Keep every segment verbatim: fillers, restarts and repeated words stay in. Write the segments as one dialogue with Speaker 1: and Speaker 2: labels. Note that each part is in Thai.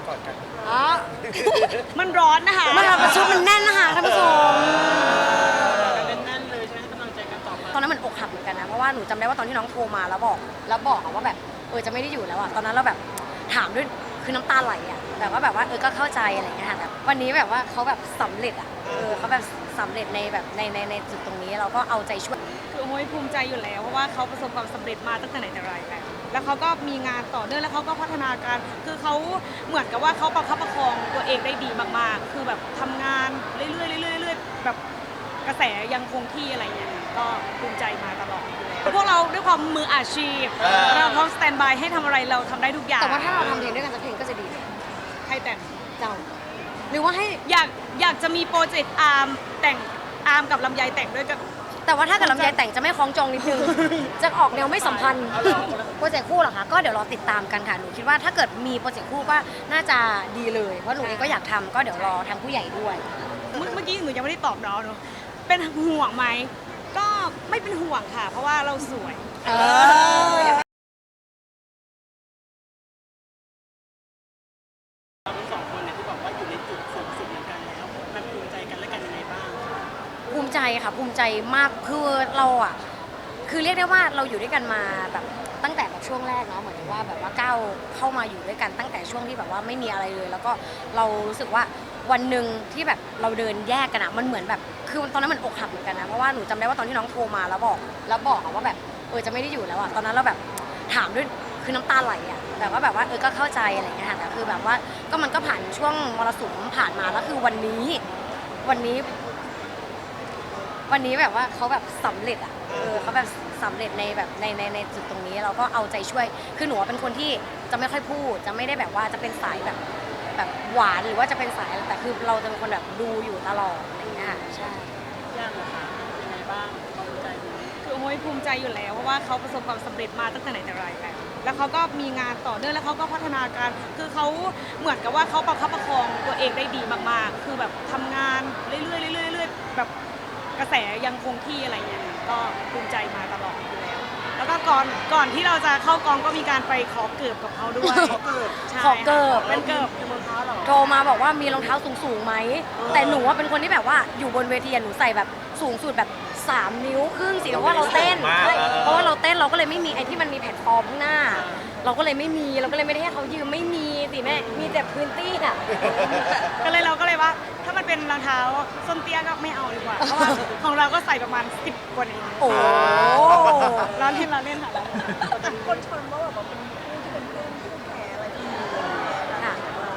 Speaker 1: กอดกัน
Speaker 2: อ๋อ
Speaker 3: มันร้อนนะคะ
Speaker 2: มันประชุมมันแน่นนะคะท่านผู้ชม
Speaker 1: แน่นๆเลยใช่ไหมให้กำลังใจกันต่อมา
Speaker 2: ตอนนั้นมันอกหักเหมือนกันนะเพราะว่าหนูจำได้ว่าตอนที่น้องโทรมาแล้วบอกแล้วบอกว่าแบบเออจะไม่ได้อยู่แล้วอะตอนนั้นเราแบบถามด้วยคือน้ำตาไหลอะแบบว่าแบบว่าเออก็เข้าใจอะไรอย่างเงี้ยค่ะแต่วันนี้แบบว่าเขาแบบสำเร็จอะเออเขาแบบสำเร็จในแบบในในในจุดตรงนี้เราก็เอาใจช่วย
Speaker 3: คือโอ้ยภูมิใจอยู่แล้วเพราะว่าเขาประสบความสำเร็จมาตั้งแต่ไหนแต่ไรแล้วแล้วเขาก็มีงานต่อเนื่องแล้วเขาก็พัฒนาการคือเขาเหมือนกับว่าเขาประคับประคองตัวเองได้ดีมากๆคือแบบทำงานเรื่อยๆเรื่อยๆเรื่อยๆแบบกระแสยังคงที่อะไรอย่างเงี้ยก็ภูมิใจมาตลอดอยู่แล้วพวกเราด้วยความมืออาชีพเราพร้อมสแตนบายให้ทำอะไรเราทำได้ทุกอย่าง
Speaker 2: แต่ว่าถ้าเราทำเพลงด้วยกันสักเพลงก็จะดี
Speaker 3: ใครแต่ง
Speaker 2: เจ้าหรือว่าให้
Speaker 3: อยากอยากจะมีโปรเจกต์อาร์มแต่งอาร์มกับลำไยแต่งด้วยกัน
Speaker 2: แต่ว่าถ้าเกิดลำไยแต่งจะไม่คล้องจองนิดนึงจะออกแนวไม่สัมพันธ์โปรเจกต์คู่เหรอคะก็เดี๋ยวรอติดตามกันค่ะหนูคิดว่าถ้าเกิดมีโปรเจกต์คู่ก็น่าจะดีเลยเพราะหนูเองก็อยากทำก็เดี๋ยวรอทางผู้ใหญ่ด้วย
Speaker 3: เมื่อกี้หนูยังไม่ได้ตอบน้องเนาะเป็นห่วงไหมก็ไม่เป็นห่วงค่ะเพราะว่าเราสวย
Speaker 2: เออ
Speaker 1: เราทั้งสองคนเนี่ยที่บอกว่าอยู่ในจุดสูงสุดเหมือนกันแล้วมันภูมิใจกันและกันยังไงบ้าง
Speaker 2: ภูมิใจค่ะภูมิใจมากคือเราอ่ะคือเรียกได้ว่าเราอยู่ด้วยกันมาแบบตั้งแต่แบบช่วงแรกเนาะเหมือนว่าแบบว่าก้าวเข้ามาอยู่ด้วยกันตั้งแต่ช่วงที่แบบว่าไม่มีอะไรเลยแล้วก็เรารู้สึกว่าวันหนึ่งที่แบบเราเดินแยกกันอะมันเหมือนแบบคือตอนนั้นมันอกหักเหมือนกันนะเพราะว่าหนูจำได้ว่าตอนที่น้องโทรมาแล้วบอกแล้วบอกว่าแบบเออจะไม่ได้อยู่แล้วอะตอนนั้นเราแบบถามด้วยคือน้ำตาไหลอะแบบว่าแบบว่าเออก็เข้าใจอะไรอย่างเงี้ยค่ะแต่คือแบบว่าก็มันก็ผ่านช่วงมรสุมผ่านมาแล้วคือวันนี้วันนี้ วันนี้แบบว่าเขาแบบสำเร็จอ่ะเออเขาแบบสำเร็จในแบบในในในจุดตรงนี้เราก็เอาใจช่วยคือหนูเป็นคนที่จะไม่ค่อยพูดจะไม่ได้แบบว่าจะเป็นสายแบบแบบหวานหรือว่าจะเป็นสายแต่คือเราจะเป็นคนแบบดูอยู่ตลอดอะไรอย่างเงี้ยใช่
Speaker 1: ยากเหรอคะยังไงบ้างภูมิใจดู
Speaker 3: คือโอ้ยภูมิใจอยู่แล้วเพราะว่าเขาประสบความสำเร็จมาตั้งแต่ไหนแต่ไรแล้วแล้วเขาก็มีงานต่อเนื่องแล้วเขาก็พัฒนาการคือเขาเหมือนกับว่าเขาประคับประคองตัวเองได้ดีมากๆคือแบบทำงานเรื่อยๆเรื่อยๆเรื่อยๆแบบกระแสยังคงที่อะไรอย่างเงี้ยก็ภูมิใจมาตลอดอยู่แล้วแล้วก็ก่อนก่อนที่เราจะเข้ากองก็มีการไปขอเกิบกับเขาด้วย
Speaker 1: ขอเกิด
Speaker 2: ขอเกิบ
Speaker 3: เป็นเกิบ
Speaker 1: เป็นรองเท้าหรอ
Speaker 2: โทรมาบอกว่ามีรองเท้าสูงสูงไหมแต่หนูว่าเป็นคนที่แบบว่าอยู่บนเวทีหนูใส่แบบสูงสุดแบบสามนิ้วครึ่งสิเพราะว่าเราเต้นเพราะว่าเราเต้นเราก็เลยไม่มีไอ้ที่มันมีแผ่นฟอร์มข้างหน้าเราก็เลยไม่มีเราก็เลยไม่ได้ให้เขายืมไม่มีสิแม่มีแต่พื้นที่อ่ะ
Speaker 3: ก็เลยเราก็เลยว่าถ้ามันเป็นรองเท้าส้นเตี้ยก็ไม่เอาดีกว่าเพราะว่าของเราก็ใส่ประมาณสิบกว่านี้
Speaker 2: โอ้
Speaker 3: เราเล่นเราเล่นค่ะ
Speaker 1: คนชนว่าแบบเป็นผู้ที่เป็นเพื่อนที่เป็นแผลอะไรที่
Speaker 2: ค่ะ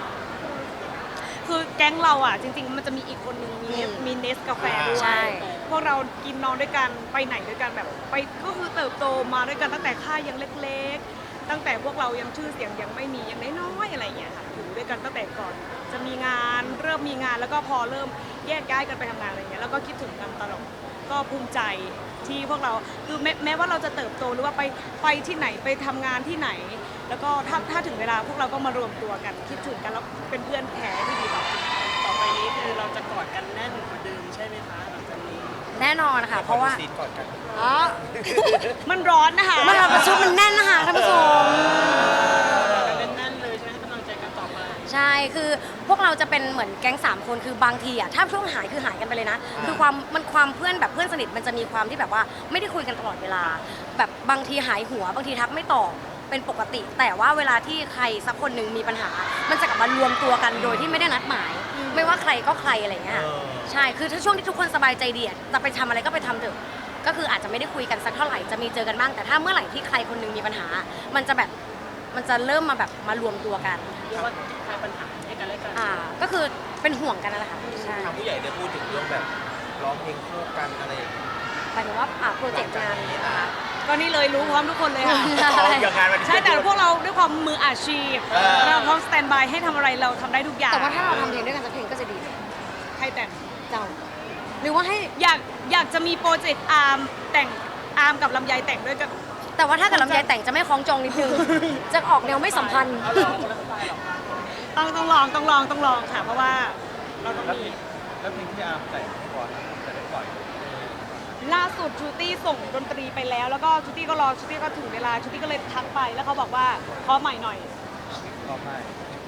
Speaker 3: คือแก๊งเราอ่ะจริงๆมันจะมีอีกคนนึงมีมีเนสกาแฟด้วยพวกเรากินนอนด้วยกันไปไหนด้วยกันแบบไปก็คือเติบโตมาด้วยกันตั้งแต่ค่ายยังเล็กๆตั้งแต่พวกเรายังชื่อเสียงยังไม่มียังน้อยๆอะไรอย่างเงี้ยค่ะอยู่ด้วยกันตั้งแต่ก่อนจะมีงานเริ่มมีงานแล้วก็พอเริ่มแยกย้ายกันไปทำงานอะไรเงี้ยแล้วก็คิดถึงกันตลอดก็ภูมิใจที่พวกเราคือแม้แม้ว่าเราจะเติบโตหรือว่าไปไปที่ไหนไปทำงานที่ไหนแล้วก็ถ้าถ้าถึงเวลาพวกเราก็มารวมตัวกันคิดถึงกันแล้วเป็นเพื่อนแท้ที่ดีต่อกัน
Speaker 1: ต่อไปนี้คือเราจะกอดกันแน่นเหมือนเดิมใช่ไหมคะหลังจากนี้
Speaker 2: แน่นอนค่ะเพราะว่า
Speaker 1: ซีนกอดกัน
Speaker 2: อ๋อ
Speaker 3: มันร้อนนะคะ
Speaker 2: มันประชุมมันแน่นนะคะท่านผู้ชม
Speaker 1: แน่นๆเลยใช่ไหมให้กำลังใจกันต่อมา
Speaker 2: ใช่คือพวกเราจะเป็นเหมือนแก๊งสามคนคือบางทีอ่ะถ้าช่วงหายคือหายกันไปเลยนะคือความมันความเพื่อนแบบเพื่อนสนิทมันจะมีความที่แบบว่าไม่ได้คุยกันตลอดเวลาแบบบางทีหายหัวบางทีทักไม่ตอบเป็นปกติแต่ว่าเวลาที่ใครสักคนหนึ่งมีปัญหามันจะกลับมารวมตัวกันโดยที่ไม่ได้นัดหมายไม่ว่าใครก็ใครอะไรเงี้ยใช่คือถ้าช่วงที่ทุกคนสบายใจดีจะไปทำอะไรก็ไปทำเถอะก็คืออาจจะไม่ได้คุยกันสักเท่าไหร่จะมีเจอกันบ้างแต่ถ้าเมื่อไหร่ที่ใครคนนึงมีปัญหามันจะแบบมันจะเริ่มมาแบบมารวมตัวกัน
Speaker 1: เรียกว่าคลายปัญหาให้กันและกัน
Speaker 2: อ่าก็คือเป็นห่วงกันนั่นแหละค่ะใช่
Speaker 1: ทางผู้ใหญ่ได้พูดถึงเรื่องแบบร้องเพลงคู่กันอะไรอย่างเงี้ย
Speaker 2: หมายถึงว่าอ่าโปรเจกต์งานนะคะ
Speaker 3: ก็นี่เลยรู้พร้อมทุกคนเลยค่ะใช่แต่พวกเราด้วยความมืออาชีพเราพร้อมสแตนบายให้ทำอะไรเราทำได้ทุกอย่าง
Speaker 2: แต่ว่าถ้าเราทำเพลงด้วยกันสักเพลงก็จะดี
Speaker 3: ใครแต่ง
Speaker 2: เจ้าหรือว่าให้
Speaker 3: อยากอยากจะมีโปรเจกต์อาร์มแต่งอาร์มกับลำไยแต่งด้วยกัน
Speaker 2: แต่ว่าถ้าเกิดลำไยแต่งจะไม่คล้องจองนิดนึงจะออกแนวไม่สัมพันธ์
Speaker 3: ต้องต้องลองต้องลองต้องลองค่ะเพราะว่าเราต้องมี
Speaker 1: แล้วเพลงที่อาร์มแต่งก่อนจะได้ปล่อย
Speaker 3: ล่าสุดชูตี้ส่งดนตรีไปแล้วแล้วก็ชูตี้ก็รอชูตี้ก็ถึงเวลาชูตี้ก็เลยทักไปแล้วเขาบอกว่าขอใหม่หน่อย
Speaker 1: ขอใหม่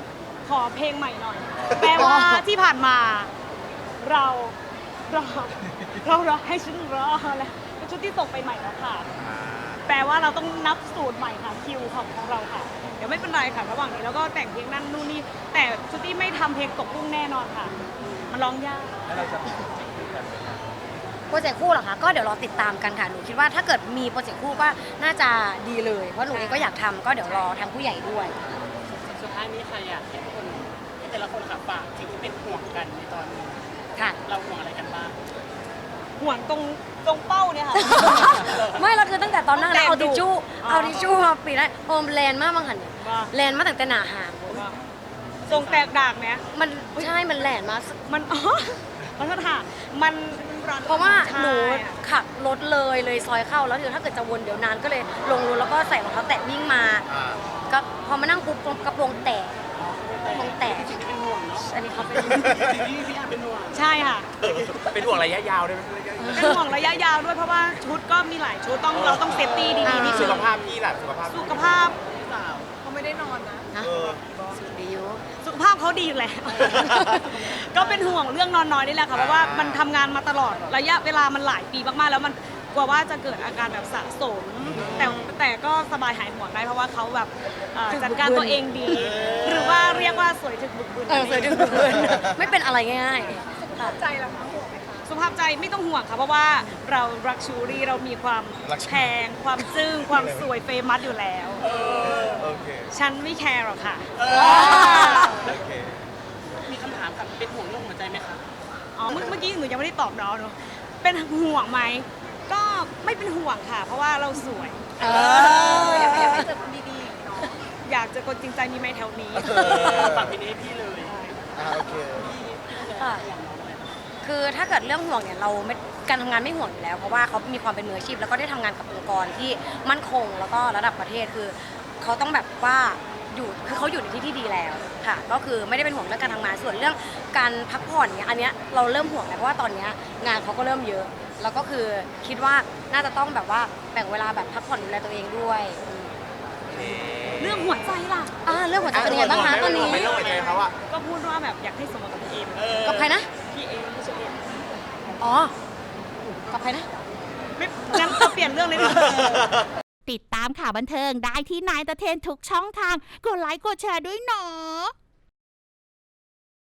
Speaker 3: ขอเพลงใหม่หน่อย แปลว่าที่ผ่านมาเรารอเรารอให้ฉันรอแล้วเป็นชุดที่ส่งไปใหม่แล้วค่ะ แปลว่าเราต้องนับสูตรใหม่ค่ะคิวของของเราค่ะ เดี๋ยวไม่เป็นไรค่ะระหว่างนี้แล้วก็แต่งเพลงนั่นนู่นนี่แต่ชุดที่ไม่ทำเพลงตกกุ้งแน่นอนค่ะ มันร้องยาก
Speaker 4: แล้วเราจะมีโปรเจกต์คู่กันไหมคะ
Speaker 2: โปรเจกต์คู่เหรอคะก็เดี๋ยวรอติดตามกันค่ะหนูคิดว่าถ้าเกิดมีโปรเจกต์คู่ก็น่าจะดีเลยเพราะหนูเองก็อยากทำก็เดี๋ยวรอทางผู้ใหญ่ด้วย
Speaker 1: สุดท้ายนี้ใครอยากให้ทุกคนให้แต่ละคนค่ะฝากสิ่งที่เป็นห่วงกันในตอนนี้
Speaker 2: ค่ะ
Speaker 1: เราห่วงอะไรกันบ้าง
Speaker 3: ห่วงตรงตรงเป้าเนี่ยค่ะ
Speaker 2: ไม่เราคือตั้งแต่ตอนนั้น
Speaker 3: ตั้งแต่
Speaker 2: เอาทิชชู่
Speaker 3: อ๋อ
Speaker 2: เอาทิชชู่มาปิดได้โฮมแลนด์มากบางหันเนี่ย
Speaker 3: ว่า
Speaker 2: แลนด์มาตั้งแต่หนาหาง
Speaker 3: ทรงแตกดากไหม
Speaker 2: มันใช่มันแลนด์มา
Speaker 3: มัน อ๋อขอโทษค่ะมันร้อน
Speaker 2: เพราะว่า
Speaker 3: ใช่
Speaker 2: หนูขับรถเลยเลยซอยเข้าแล้วเดี๋ยวถ้าเกิดจะวนเดี๋ยวนานก็เลยลงรถแล้วก็ใส่รองเท้าแตะวิ่งมา
Speaker 4: อ่า
Speaker 2: ก็พอมานั่งปุ๊บกระโปรงแตก คงแตก
Speaker 1: สิ่งที่เป็นห่วงเนาะ
Speaker 2: อันนี้เขาเป็น
Speaker 1: สิ่งที่พี่อาร์เป็นห่วง
Speaker 3: ใช่ค่ะ
Speaker 4: เป็นห่วงระยะยาวด้วยไหมระยะยาว
Speaker 3: เป็นห่วงระยะยาวด้วยเพราะว่าชุดก็มีหลายชุดต้องเราต้องเซฟตี้ดีๆที่
Speaker 4: สุ
Speaker 3: สุด
Speaker 4: ขภาพพี่ล่ะสุขภาพ
Speaker 3: สุขภาพ
Speaker 1: พี่สาว
Speaker 3: เขาไม่ได้นอนนะ
Speaker 2: นะ
Speaker 4: เออ
Speaker 2: สุดดีอยู่
Speaker 3: สุขภาพเขาดีอยู่แล้ว ก็เป็นห่วงเรื่องนอนน้อยนี่แหละค่ะเพราะว่ามันทำงานมาตลอดระยะเวลามันหลายปีมากๆ แล้วมันกลัวว่าจะเกิดอาการแบบสะสม แต่แต่ก็สบายหายห่วงได้เพราะว่าเขาแบบเอ่อจัดการตัวเองดี หรือว่าเรียกว่าสวยถึงบุกบึน
Speaker 2: เออสวยดึงดูดไม่เป็นอะไรง่ายๆค่ะ
Speaker 3: ใจเราห่วงไหมคะสุขภาพใจไม่ต้องห่วงค่ะเพราะว่าเรารักชูรี่เรามีความ
Speaker 4: รักชู
Speaker 3: แพงความซึ้งความสวยเฟมัสอยู่แล้ว
Speaker 4: โอเค
Speaker 3: ฉันไม่แคร์หรอกค่ะ
Speaker 4: โอเค
Speaker 1: มีคำถามกับเป็นห่วงเรื่องหัวใจไหมคะ
Speaker 3: อ๋อเมื่อเมื่อกี้หนูยังไม่ได้ตอบน้องเนอะเป็นห่วงไหมก็ไม่เป็นห่วงค่ะ เพราะว่าเราสวย
Speaker 2: เออ
Speaker 3: อยากให้เจอคนดีๆเนาะอยากเจอคนจริงใจมีไหมแถวนี้
Speaker 1: ฝากพี่นี้ให้พี่เลย
Speaker 4: อ่าโอเค
Speaker 2: ค่ะ คือถ้าเกิดเรื่องห่วงเนี่ยเราไม่การทำงานไม่ห่วงอยู่แล้ว เพราะว่าเขามีความเป็นมืออาชีพแล้วก็ได้ทำงานกับองค์กรที่มั่นคงแล้วก็ระดับประเทศคือเขาต้องแบบว่าอยู่คือเขาอยู่ในที่ที่ดีแล้วค่ะ ก็คือไม่ได้เป็นห่วงเรื่องการทำงานส่วนเรื่องการพักผ่อนเนี่ยอันเนี้ยเราเริ่มห่วงแล้วเพราะว่าตอนเนี้ยงานเขาก็เริ่มเยอะ แล้วก็คือคิดว่าน่าจะต้องแบบว่าแบ่งเวลาแบบพักผ่อนดูแลตัวเองด้วยอืม
Speaker 3: เรื่องหัวใจล่ะ
Speaker 2: อ่าเรื่องหัวใจเป็นยังไงบ้างคะตอนนี้
Speaker 4: ไม่ต้องไปใจเขาอะ
Speaker 3: ก็พูดว่าแบบอยากให้สมกับพี่เอม
Speaker 2: กับใครนะ
Speaker 3: พี่เอมพี่เชอเอม
Speaker 2: อ๋อกับใครนะ
Speaker 3: ไม่งั้นก็เปลี่ยนเรื่องเลยดีกว่า
Speaker 5: ติดตามข่าวบันเทิงได้ที่นายตะเทนทุกช่องทาง กดไลค์กดแชร์ด้วยเนาะ